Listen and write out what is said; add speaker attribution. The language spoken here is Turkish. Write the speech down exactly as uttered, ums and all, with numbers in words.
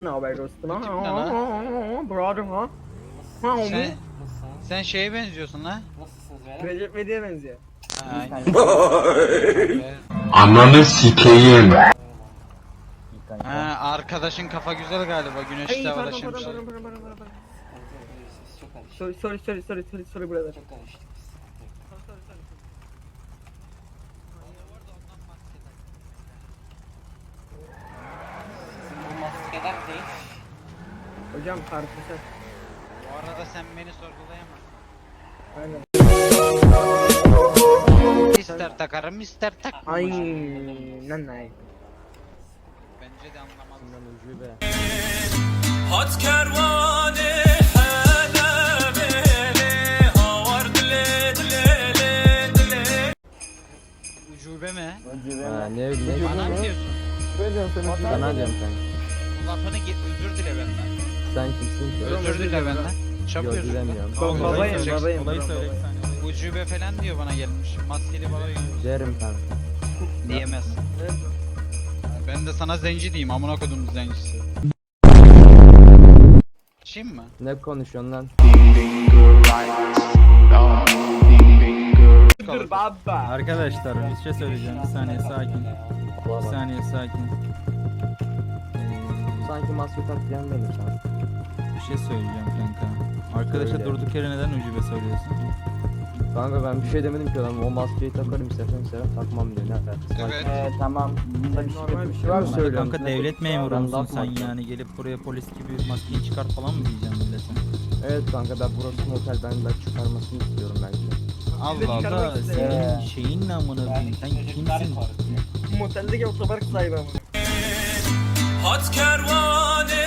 Speaker 1: Ne haber dostum?
Speaker 2: Bu tip ne lan?
Speaker 1: Brother ha? Ha o mu?
Speaker 2: Sen, sen şeye benziyorsun lan.
Speaker 3: Nasılsınız beyler?
Speaker 1: Recep İvedik'e benziyor.
Speaker 2: Aynen.
Speaker 4: Ananı sikeyim.
Speaker 2: Ha, arkadaşın kafa güzel galiba. Güneş
Speaker 1: Ay
Speaker 2: de
Speaker 1: pardon
Speaker 2: havada
Speaker 1: pardon
Speaker 2: şimşek.
Speaker 1: pardon pardon pardon pardon.
Speaker 3: Siz çok karıştık.
Speaker 1: Sorry sorry sorry sorry sorry sorry brother.
Speaker 3: Çok karıştık biz. Sizin bu maskeler ne?
Speaker 1: Hocam tartışa.
Speaker 2: Bu arada sen beni sorgulayamazsın.
Speaker 1: Aynen.
Speaker 2: İster takarım ister takmam.
Speaker 1: Aynen ay.
Speaker 2: Bence de anlamaz.
Speaker 5: هات كرواني حدا بيلي هاور دلي دلي دلي
Speaker 2: Ucube mi?
Speaker 6: Ha, ne ne
Speaker 2: Bana mı diyorsun?
Speaker 6: Sana diyorum sen.
Speaker 2: Bu lafını git özür dile benden.
Speaker 6: Sen kimsin ki?
Speaker 2: Özür dile benden. Çok
Speaker 6: Yok
Speaker 2: özür dile.
Speaker 6: dilemiyorum.
Speaker 1: Ba- Babayım babayım.
Speaker 5: Olayı söyle bir
Speaker 1: babayım.
Speaker 5: saniye.
Speaker 2: Ucube falan diyor bana gelmiş. Maskeli bana
Speaker 6: Derim kanka.
Speaker 2: diyemez. Ben de sana zenci diyeyim. Amına kodum zencisi. Şimdi mi?
Speaker 6: Ne konuşuyorsun lan?
Speaker 1: Dur baba.
Speaker 5: Arkadaşlar bir şey söyleyeceğim. Bir saniye sakin. Bir saniye sakin. Ee,
Speaker 6: Sanki maske taklayan benim sana.
Speaker 5: bir şey söyleyeceğim kanka. Arkadaşa
Speaker 6: Söyle.
Speaker 5: durduk yere neden ucube söylüyorsun?
Speaker 6: Kanka ben bir şey demedim ki adam. O maskeyi takarım istersen istersen takmam diyor. Ne alakası var?
Speaker 2: Evet.
Speaker 7: Ee, tamam. Bunda bir
Speaker 1: Normal bir
Speaker 7: şey
Speaker 1: şey
Speaker 6: var
Speaker 1: var
Speaker 6: mı?
Speaker 1: mı?
Speaker 6: Söylüyorum.
Speaker 5: Kanka
Speaker 6: Ne-
Speaker 5: devlet memuru
Speaker 6: Ben
Speaker 5: musun
Speaker 6: laf
Speaker 5: sen
Speaker 6: mı-
Speaker 5: yani gelip buraya polis gibi maskeyi çıkar falan mı diyeceğim millete?
Speaker 6: Evet kanka ben burası motel ben ben çıkarmasını istiyorum belki.
Speaker 2: Allah Allah.
Speaker 5: Allah
Speaker 1: Çıkarmak
Speaker 5: senin
Speaker 7: Ee,
Speaker 5: şeyin ne amına koyayım? Sen kimsin?
Speaker 1: Moteldeki otopark sahibi ama.
Speaker 5: Hat kervane